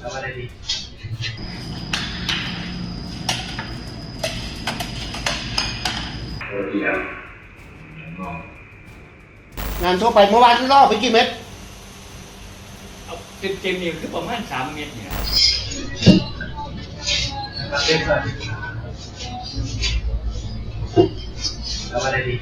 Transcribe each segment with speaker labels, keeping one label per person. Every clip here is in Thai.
Speaker 1: ทำอะไรดีงานทั่วไปเมื่อวานล่อไปกี่เม็ด
Speaker 2: เอาเต็มๆนี่คือประมาณ3 เม็ดเนี่ย
Speaker 1: ทำอะไรดี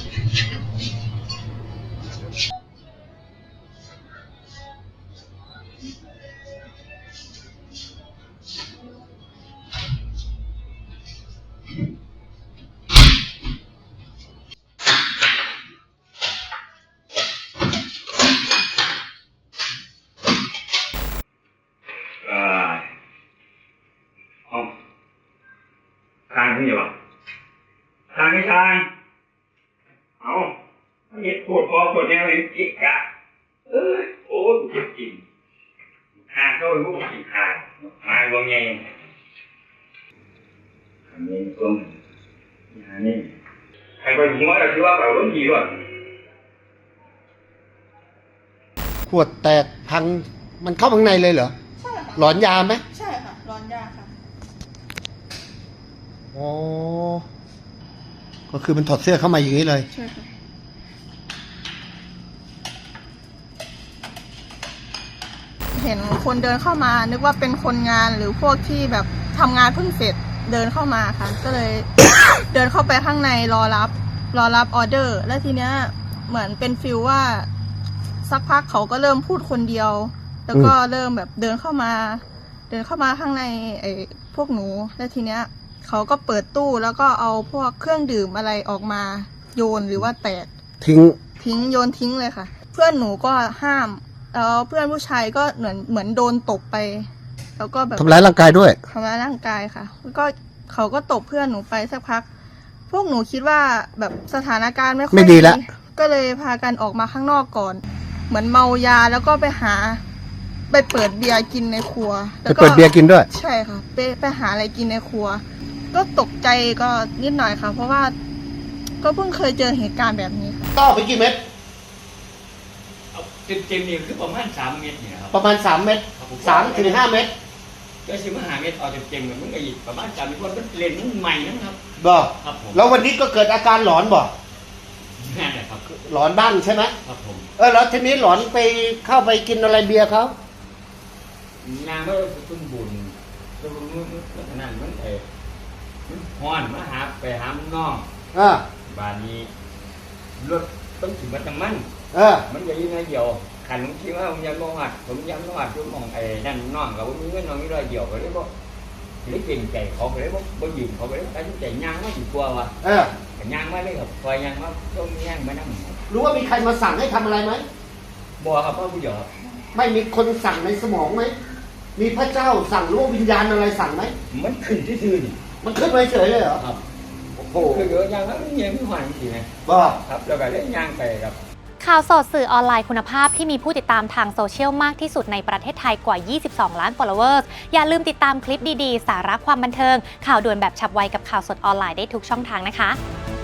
Speaker 2: ทางนี่หรอทางเอาเห็ดปวดคอปวดแนวเลยจิกกะโอ้เจ็บจริงทางเข้าไปพวกจิกขาดมาลงไงอันนี้ต้มอันนี้ใครไปหัวเราคิดว่าแบบรุ่นดีหรอ
Speaker 1: ขวดแตกพังมันเข้าข้างในเลยเหรอ
Speaker 3: ใช่ค่ะ
Speaker 1: หลอนยาไหม
Speaker 3: ใช่ค่ะร้อนยาค่ะ
Speaker 1: อ๋อก็คือมันถอดเสื้อเข้ามาอย่างนี้เลย
Speaker 3: ใช่ค่ะเห็นคนเดินเข้ามานึกว่าเป็นคนงานหรือพวกที่แบบทำงานเพิ่งเสร็จเดินเข้ามาค่ะก็เลย เดินเข้าไปข้างในรอรับออเดอร์แล้วทีเนี้ยเหมือนเป็นฟิลว่าสักพักเขาก็เริ่มพูดคนเดียวแล้วก็เริ่มแบบเดินเข้ามาข้างในพวกหนูแล้วทีเนี้ยเขาก็เปิดตู้แล้วก็เอาพวกเครื่องดื่มอะไรออกมาโยนหรือว่าแตกทิ้งโยนทิ้งเลยค่ะเพื่อนหนูก็ห้ามแล้วเพื่อนผู้ชายก็เหมือนโดนตบไปแล้วก็แบบ
Speaker 1: ทำร้ายร่างกายด้วย
Speaker 3: ทำร้ายร่างกายค่ะแล้วก็เขาก็ตบเพื่อนหนูไปสักพักพวกหนูคิดว่าแบบสถานการณ์ไม่ค่อย
Speaker 1: ดีแล้ว
Speaker 3: ก็เลยพากันออกมาข้างนอกก่อนเหมือนเมายาแล้วก็ไปเปิดเบียร์กินในครัว
Speaker 1: ไปเปิดเบียร์กินด้วย
Speaker 3: ใช่ค่ะไปหาอะไรกินในครัวก็ตกใจก็นิดหน่อยค่ะเพราะว่าก็เพิ่งเคยเจอเหตุการณ์แบบนี้ค่ะ
Speaker 1: ต่อไปกี่เม็ด
Speaker 2: เอาเต็มๆนี่คือประมาณ3 เม็ดเนี่ยครับ
Speaker 1: ประมาณ3 เม็ด3 ถึง 5 เม็ด
Speaker 2: ก็สิมาหาเม็ดเอาเต็มๆมันก็อีกประมาณ3 เม็ดเพราะมันเล่นใหม่นะครับ
Speaker 1: บ่
Speaker 2: ครับผม
Speaker 1: แล้ววันนี้ก็เกิดอาการหลอนบ่
Speaker 2: นั่นแหละครับ
Speaker 1: หลอนบ้างใช่ไหม
Speaker 2: ครับผม
Speaker 1: แล้วทีนี้หลอนไปเข้าไปกินอะไรเบียร์เขา
Speaker 2: นางก็ตุ้มบุญตุ้มนั่นมันฮ้อนมาไปหาน้องบ้านนี้รถต้องถึงมาตั้งมันใหญ่ยังไงเดียวขันคิดว่าผมยังมองหัดจุดมองนั่นน้องเราไม่มีน้องนี่เลยเดียวก็เลยบอกเลยเก่งใจเขาเลยบอกยืมเขาเลยตัดสินใจย่างมาอยู่กลัววะย่างมาเลยครับคอยย่างมาต้องย่างมานั่ง
Speaker 1: รู้ว่ามีใครมาสั่งให้ทำอะไรไหม
Speaker 2: บ่ครับพ่อผู้ใหญ่
Speaker 1: ไม่มีคนสั่งในสมองไหมมีพระเจ้าสั่งหรือว่าวิญญาณอะไรสั่งไหม
Speaker 2: มันขึ้นที่ซื่อนี่
Speaker 1: มันขึ้นมาเฉยเลยเหรอ
Speaker 2: ครับโอ้โหคือเยอะย่างแล้วยังไม่หวานจริงไหมครับแล้วก็เล่นย่างไปครับ
Speaker 4: ข่าวสดสื่อออนไลน์คุณภาพที่มีผู้ติดตามทางโซเชียลมากที่สุดในประเทศไทยกว่า 22 ล้าน followers อย่าลืมติดตามคลิปดีๆ สาระความบันเทิงข่าวด่วนแบบฉับไวกับข่าวสดออนไลน์ได้ทุกช่องทางนะคะ